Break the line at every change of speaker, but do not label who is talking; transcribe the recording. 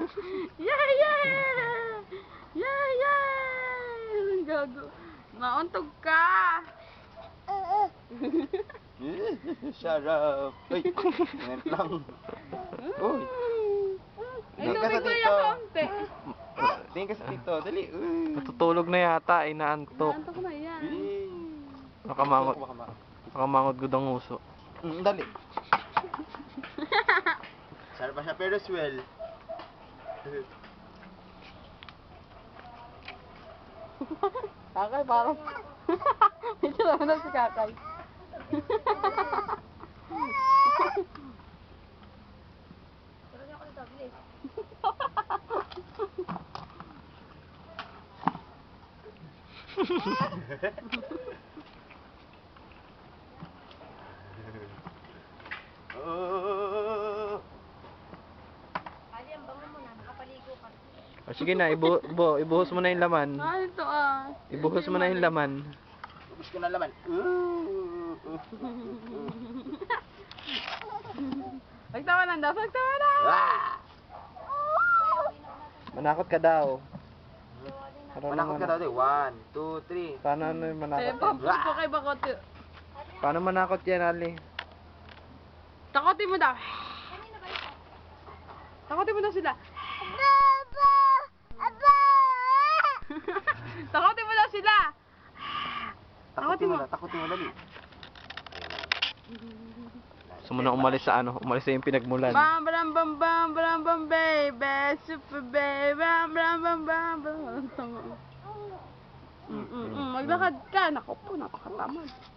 Yeah, yeah! Yeah, yeah! Gago. Nauntog ka!
Sarap. Uy, ingat lang. Uy.
Ay,
Tingin ka sa
tubig
tito.
kuya kaunti.
Tingin ka sa tito. Dali. Uy.
Natutulog na yata, inaantok.
Naantok na yan.
Nakamangot.
Baka ma-
Nakamangot gud ang uso.
Dali. Sarap pa siya pero swell.
Kakay, parang... Medyo naman na si Kakay.
Oh.
O sige na, ibuhos mo na yung laman.
Ah, ito ah.
Ibuhos mo na yung laman.
Ubus ko na laman.
Pagtawanan daw, pagtawanan!
Ah!
Manakot ka daw.
Manakot ka daw din. 1, 2, 3.
Paano ano yung
Eh,
manakot yan?
pampus ko kay Bakote.
Paano manakot yan, Ali?
Takotin mo daw. Takotin mo daw sila. Takotin mo daw sila.
Takutin mo na. Takutin mo dali.
Gusto mo na umalis sa ano? Umalis sa yung pinagmulan.
Bam bam bam bam bam bam baby, super baby, bam bam bam bam bam. Maglakad ka, naku po, napakatamad.